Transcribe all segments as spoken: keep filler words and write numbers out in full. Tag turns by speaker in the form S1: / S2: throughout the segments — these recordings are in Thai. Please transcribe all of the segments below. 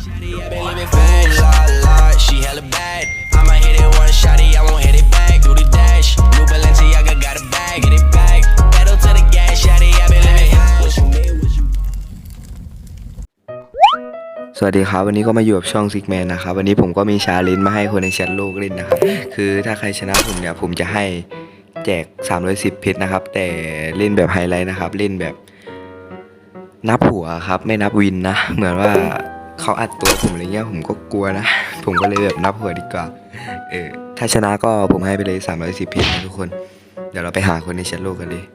S1: สวัสดีครับวันนี้ก็มาอยู่กับช่องซิกแมนนะครับวันนี้ผมก็มีชาเลนจ์มาให้คนในแชทโลกเล่นนะครับคือถ้าใครชนะผมเนี่ยผมจะให้แจกสามร้อยสิบเพชรนะครับแต่เล่นแบบไฮไลท์นะครับเล่นแบบนับหัวครับไม่นับวินนะเหมือนว่าเขาอัดตัวผมอะไรเงี้ยผมก็กลัวนะผมก็เลยแบบนับหัวดีกว่าเออถ้าชนะก็ผมให้ไปเลยสามร้อยสิบเพชรนะทุกคนเดี๋ยวเราไปหาคนในแชทโลกกันเลย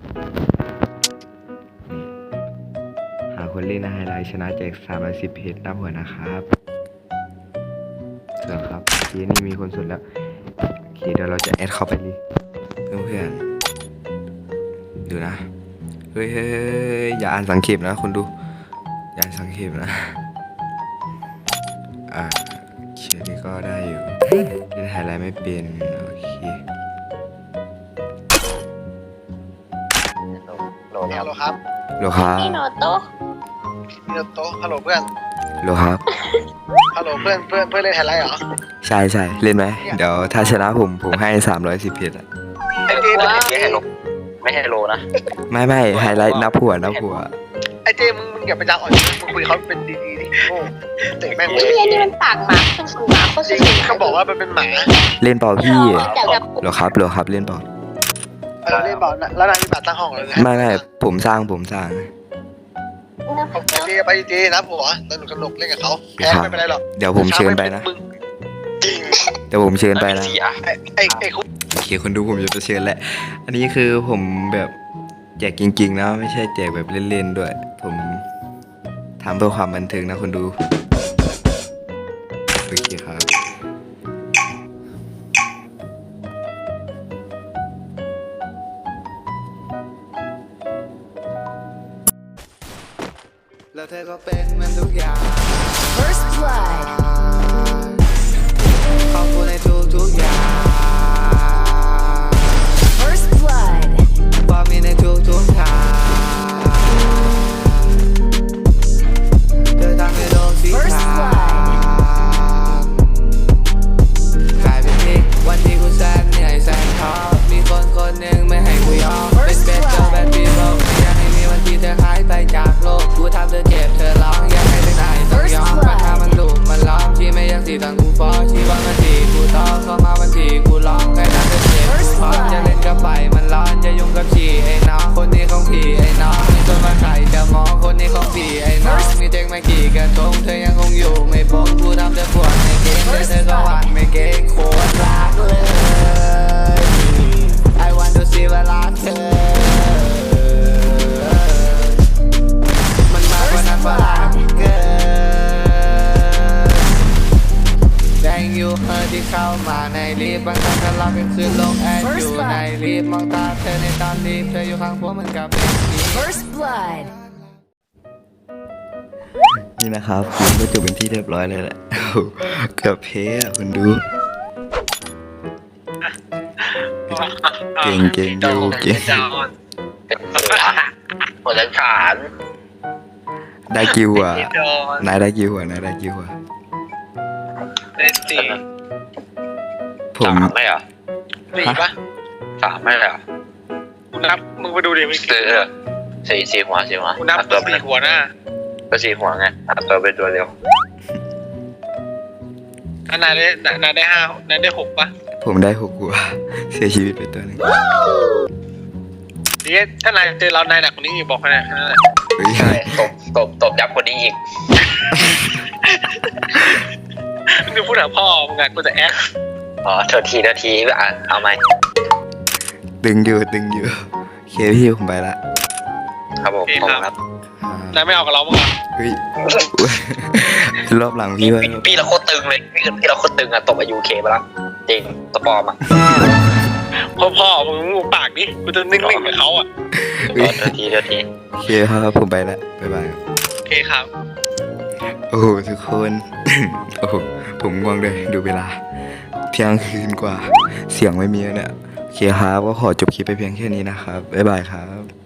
S1: หาคนเล่นนะไฮไลท์ชนะแจกสามร้อยสิบเพชรนับหัวนะครับเสือครับทีนี้มีคนสนแล้วโอเคเดี๋ยวเราจะแอดเข้าไปเลยเพื่อนๆดูนะเฮ้ยอย่าอ่านสังเขปนะคนดูอย่าอ่านสังเขปนะอ่าเชื่อนี่ก็ได้อยู่เล่นไฮไลท์ไม่เป็นโอเค
S2: ฮัลโหลครับ
S1: โลครับ
S3: พี่โนโต้
S2: พี่โตฮัลโหลเพื่อน
S1: โลครับ
S2: ฮัลโหลเพื่อนเพื่อนเพื่อนเล่นไฮไลท์เหรอ
S1: ใช่ใช่เล่นไหมเดี๋ยวถ้าชนะผมผมให้สามร้อยสิบเพชรอะ
S2: ไอเจมึง
S4: ไม่ให้โลไม่ให้โลนะ
S1: ไม่ไม่ไฮไลท์นับหัวนับหัว
S2: ไอเจมึงมึงอย่าไปดังอ่อนมึงคุยเขาเป็นดีๆดิโอ้เตะแม่งเล
S3: ไอ้
S2: ย
S3: เฮียนี่มันปากหมาคือสูงหมาโคตร
S2: จริ
S3: สู
S2: ง
S3: ง
S2: เขาบอกว่ามันเป็นหมา
S1: เล่นเปล่าพี่
S3: เดี๋ยวกับ
S1: โลครับโลครับเล่นเปล่า
S2: เออเล่นบอลนะแล้วนายมีบัตรตั้งห้องเลยนะ
S1: ไม่ไม่ผมสร้างผมสร้าง
S2: ไอเจไปเจนะผัวสนุกสนุกเล่นกับเขาแพ้ไม่เป็นไรหรอก
S1: เดี๋ยวผมเชิญไปนะ
S2: มึงจริง
S1: เดี๋ยวผมเชิญไปนะ
S2: ไอไอไอคุก
S1: โอเคคนดูผมจะไปเชิญแหละอันนี้คือผมแบบแจกจริงๆนะไม่ใช่แจกแบบเล่นๆด้วยผมทำเพื่อความบันเทิงนะคนดูโอเคครับแล้วเธอก็เป็นมันทุกอย่าง
S3: First Blood
S1: ขอบคุณในทุกทุกอย่าง
S3: First Blood
S1: ความมีในทุกทุกทางเธอทำให้โลกสีขาวกลายเป็นที่วันที่กูแสนเหนื่อยแสนท้อมีคนคนหนึ่งไม่ให้กูยอมเป็นเบสเจอร์แบดพีเบิลไม่อยากให้มีวันที่เธอหายไปจากโลกกูทำเธอเจ็บเธอร้องอยากให้เป็นไหนต้องยอมปัญหามันหลุมมันล้อมที่ไม่อยากสีตอนกูฟ้องที่วันวันที่กูท้อเข้ามาวันที่กูร้องแค่นั้นเธอเจ็บกูพร้อมจะเล่นกับไฟมันร้อนจะยุ่งกับฉี่ไอ้น้องคนนี้ของพี่ไอ้น้องมีคนมาใครจะมองคนนี้ของพี่ไอ้น้องมีเด็กไม่กี่กระทงเธอยังคงอยู่ไม่พบกูทำเธอปวดไม่เก่งแต่เธอก็หวั่นไม่เก่งโคตรรักเลย I want to see เวลาเธอมันมากกว่านั้นว่ารักเกิน Thank you เธอที่เข้ามาในลิฟต์บางครั้งก็รับเป็นคืนลงแอดอยู่ในลิฟต์มองตาเธอในตอนลิฟต์เธออยู่ข้างผมเหมือนกับเป็นผี
S3: First Blood
S1: นี่นะครับผมก็จบเป็นที่เรียบร้อยเลยแหละเกือบเพ้อะคุณดู เก่งเก่งดูเก่ง
S4: เป็นเสือหัวใจขาน
S1: ได้กิวอ่ะนายได้กิวอ่ะนายได้กิวอ่ะ
S2: เล่นสี่
S1: ผม
S4: สามไม่เหรอ
S2: สี่ปะ
S4: สามไม่เหรอ
S2: กูนับมึงไปดูดิมึง
S4: เออสี่สี่หัวสี่หัว
S2: กูนับ
S4: ตั
S2: ตัว ว
S4: เป็น
S2: สี่หัวหน้า
S4: ก็สี่หัวไงอัดตัวเป็นตัวเร็ว
S2: อันนายได้นายได้ห้านายได้หกปะ
S1: ผมได้หกหัวเสียชีวิตไปตัวหนึ่ง
S2: เดี๋ยวถ้านายเจอเรานายหนักกว่านี้อีกบอกให้นายแค่นั้นแหละ
S1: เฮ้ย
S4: ใช่ตบตบตบยับกว่านี้อีก
S2: มึงจะพูดหาพ่อมึงไงกูจะแอค
S4: อ๋อเธอทีเธอทีอ่ะเอาไหม
S1: ดึงอยู่ดึงอยู่โอเคพี่ผมไปละ
S4: ครับผมผมครับ
S1: อ่าน
S2: ายไม่เอากับเราบ้างเหรอ
S1: เฮ้ยรอบหลังพี่ไว้
S4: พี่พี่เราโคตรตึงเลยพี่พี่เราโคตรตึงอะตบอายุเคไปละจริงตะปอมอะ
S2: พ่อพ่อมึงมึงปากดิกูจะนิ่งๆกับเขาอ่ะ
S1: เฮ้ย
S4: เธอทีเธอที
S1: โอเคครับผมไปละบ๊ายบายครับ
S2: โอเคครับ
S1: โอ้โหทุกคน โอ้โหผมง่วงเลยดูเวลาเที่ยงคืนกว่าเสียงไม่มีแล้วเนี่ยโอเคครับก็ขอจบคลิปไปเพียงแค่นี้นะครับบ๊ายบายครับ